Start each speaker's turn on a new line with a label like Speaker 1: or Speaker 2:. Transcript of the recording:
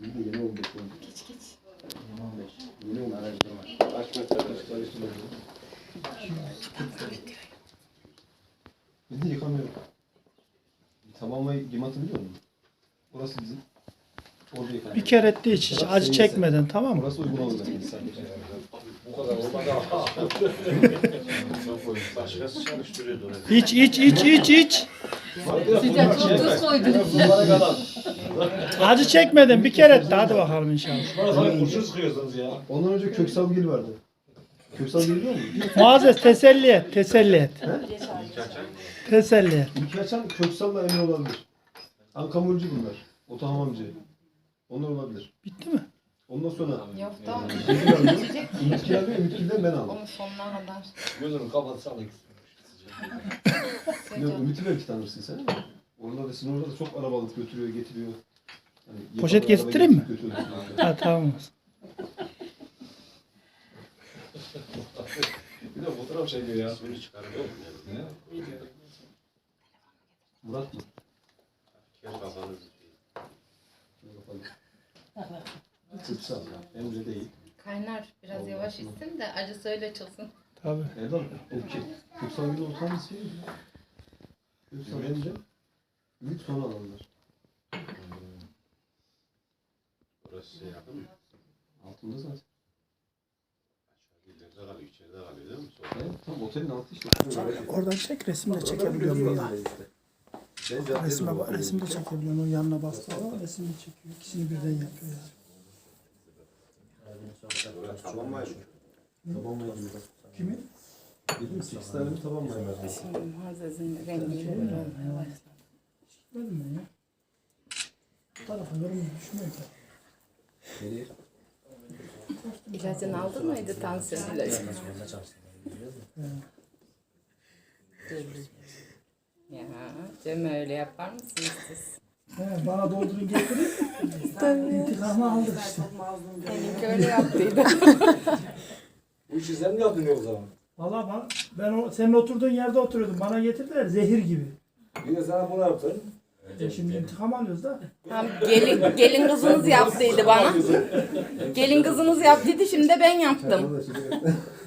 Speaker 1: Yeni 15 oldu.
Speaker 2: Geç.
Speaker 1: Yeni 15. Yeni 15. Araştırma. Kaç metre araştırma. Biz de yıkamıyoruz. Tamamlayı gimatı biliyor musun? Orası bizim. Orada yıkamıyoruz.
Speaker 3: Bir kere etti hiç acı çekmeden, tamam mı?
Speaker 1: Orası uygun olur demek sadece.
Speaker 4: Bu kadar olmadı. Başkası çalıştırıyordu orayı.
Speaker 3: İç.
Speaker 2: Sıcak çok tuz koydunuz.
Speaker 3: Acı çekmeden bir kere etti. Hadi bakalım inşallah.
Speaker 4: Bana sana kurşun sıkıyorsunuz ya.
Speaker 1: Ondan önce Köksalgil vardı. Köksalgil biliyor musun?
Speaker 3: Muazzez teselli et. Teselli et.
Speaker 1: İlki açan Köksal'la Emre olabilir. Ankamurcu bunlar. Otohamamcı. Onlar olabilir.
Speaker 3: Bitti mi?
Speaker 1: Ondan sonra
Speaker 2: Yok da
Speaker 1: Ümitgil alıyor. Ümitgil alıyor. Ümitgil'den ben aldım.
Speaker 2: onun sonuna kadar.
Speaker 4: Gözünü kapatsan
Speaker 1: Yok, Ümit'i belki tanırsın sen ama. Orada da sizin orada da çok araba alıp götürüyor, getiriyor. Hani
Speaker 3: Poşet
Speaker 1: yapan araba
Speaker 3: getireyim mi?
Speaker 1: getirip götürüyor.
Speaker 3: Ha tamam.
Speaker 1: Bir de fotoğraf çekiyor ya.
Speaker 4: Suyunu çıkarıyor mu?
Speaker 1: Murat mı?
Speaker 4: Kel kafanızı.
Speaker 1: Kıpsal. Emre değil.
Speaker 2: Kaynar biraz yavaş içsin de acısı öyle çıksın.
Speaker 3: Tabii.
Speaker 1: Erdal, okey. Kıpsal gibi olsan bir şey. Kıpsal Emre. Ümit sonra alırlar.
Speaker 4: Orası şey yakın mı?
Speaker 1: Altında zaten.
Speaker 4: İleride kalıyor, içeride kalıyor değil mi?
Speaker 1: Evet, tam otelin altı işte.
Speaker 3: Oradan çek, resim de çekebiliyorum burada. Resim de çekebiliyorum. O yanına bastı ama resim de çekiyor. İkisini birden yapıyor yani.
Speaker 4: Tamam mı?
Speaker 1: Taban mayı gibi.
Speaker 3: Kimin?
Speaker 1: Dedim 8 tane bir taban mayı var.
Speaker 2: Şimdi Muazzez'in rengi böyle olmaya başladı.
Speaker 3: Çıkmadım ben ya. Bu tarafa yorum düşmüyor ki.
Speaker 1: Nereye?
Speaker 2: İlacını aldın mıydı tansiyon ilacı? Ya Cem öyle yapar mısınız siz?
Speaker 3: He, bana doldurun getirin. Tabii. İntikamı aldık işte.
Speaker 2: Benimki öyle yaptıydı.
Speaker 4: Bu işi sen mi yaptın o zaman?
Speaker 3: Valla ben senin oturduğun yerde oturuyordum. Bana getirdiler zehir gibi.
Speaker 4: Bir de sana bunu yaptın.
Speaker 3: Şimdi intikam alıyoruz da.
Speaker 2: Tam gelin kızınız yaptıydı bana. Gelin kızınız yaptıydı şimdi de ben yaptım.